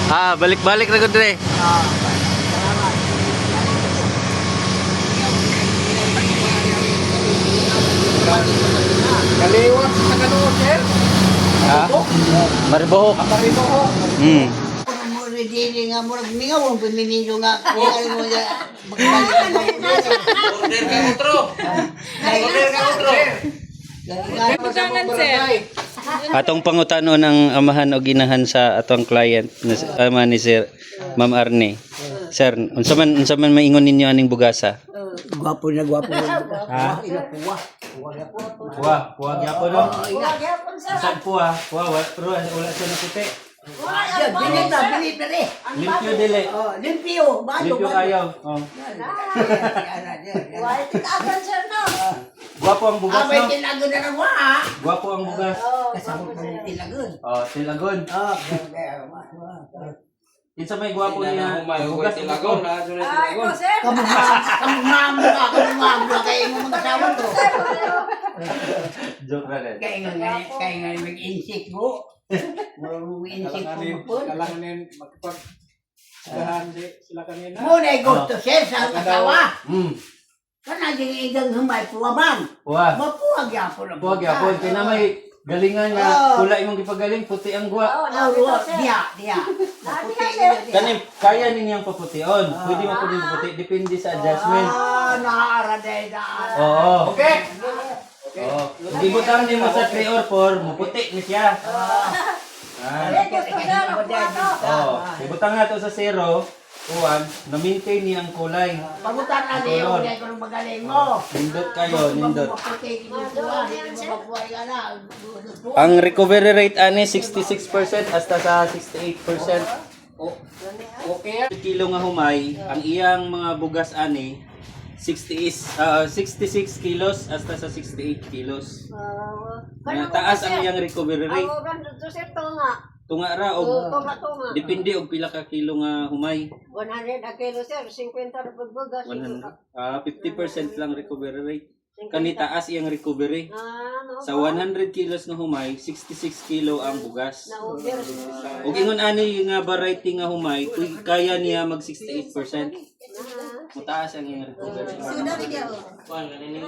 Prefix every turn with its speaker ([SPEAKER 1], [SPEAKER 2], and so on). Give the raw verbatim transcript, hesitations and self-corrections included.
[SPEAKER 1] Ah, balik-balik na ko dire.
[SPEAKER 2] Ah, salamat. Kaliwat sa kanoon, sir.
[SPEAKER 1] Ha? Maribohok.
[SPEAKER 2] Maribohok.
[SPEAKER 1] Hmm.
[SPEAKER 3] Mo ready nga mo mingaw ang pamimilo nga. Kaya mo ya magbalik.
[SPEAKER 2] Order ka utro. Order ka utro.
[SPEAKER 4] Pagkangan, sir.
[SPEAKER 1] Atong pangutano ng amahan o ginahan sa atong client na ama ni Sir Ma'am Arne. Sir, unsa man unsa man maingon ninyo aning bugasa?
[SPEAKER 3] Gwapo na gwapo.
[SPEAKER 1] Ha?
[SPEAKER 3] Puwa.
[SPEAKER 1] Puwa, puwa gyapon no. Saan puwa? Puwa, pero wala siya na puti.
[SPEAKER 3] Diyan, bilit na, bilit na rin.
[SPEAKER 1] Limpyo dili.
[SPEAKER 3] Oh, limpyo. Balo,
[SPEAKER 1] Limpyo kayo. Oh. Guwapo ang bugas
[SPEAKER 3] Ah, may
[SPEAKER 1] no.
[SPEAKER 3] tilago na lang wa, ha?
[SPEAKER 1] Guwapo ang bugas.
[SPEAKER 3] Kasama ko ng tilagon.
[SPEAKER 1] Oh, tilagon.
[SPEAKER 3] Oh, kaya,
[SPEAKER 1] Kinsa may guwapo niya. Bugas
[SPEAKER 2] tilagon, ha? Tilagon.
[SPEAKER 3] kamumam, kamumam ka, kamumam ka, kaya mo mga asawa to.
[SPEAKER 1] Joke na rin.
[SPEAKER 3] Kaya nga, kaya nga mag-insik mo. Marunong insik
[SPEAKER 2] Kalanganin,
[SPEAKER 3] po po.
[SPEAKER 2] kalanganin, magpag... Sagahan sila kanina.
[SPEAKER 3] Muna ay gusto siya sa asawa.
[SPEAKER 1] Hmm.
[SPEAKER 3] Kana din igang humay puwaman.
[SPEAKER 1] Puwa.
[SPEAKER 3] Mapuwag yapon ang
[SPEAKER 1] Puwa gyapon kay na may galingan nga
[SPEAKER 3] Oh.
[SPEAKER 1] pula imong gipagaling puti ang guwa.
[SPEAKER 3] Oh, ruwa, diya, diya. Maputi yun, diya.
[SPEAKER 1] Kani kaya ninyang papution. Pwede mo pud paputi depende sa adjustment.
[SPEAKER 3] Ah, naaraday na.
[SPEAKER 1] Oo.
[SPEAKER 2] Okay.
[SPEAKER 1] Oo. Di butang nimo sa three or four, muputi ni siya. Ah. Oo. Di butang nga to sa zero, one, na-maintain niya ang kulay.
[SPEAKER 3] Pagutan na niyo, hindi ko nang magaling mo.
[SPEAKER 1] Nindot kayo, nindot.
[SPEAKER 3] Maputi, kinukuha, hindi mo mapuhay ka na.
[SPEAKER 1] Ang recovery rate ani sixty-six percent hasta sa sixty-eight percent.
[SPEAKER 2] Okay.
[SPEAKER 1] Kilo nga humay, ang iyang mga bugas ani sixty is ah, sixty-six kilos hasta sa sixty-eight kilos. Na taas ang iyang recovery rate. Tunga ra og depende og pila ka kilo nga humay.
[SPEAKER 4] one hundred a kilo, sir. fifty na pagbugas.
[SPEAKER 1] one hundred ah fifty percent lang recovery rate. Kani taas iyang recovery.
[SPEAKER 4] Ah, no.
[SPEAKER 1] Sa one hundred kilos nga humay, sixty-six kilo ang bugas.
[SPEAKER 4] Na-order.
[SPEAKER 1] Ug ingon ani nga variety nga humay, kuy- kaya niya mag sixty-eight percent. Mataas ang iyang recovery.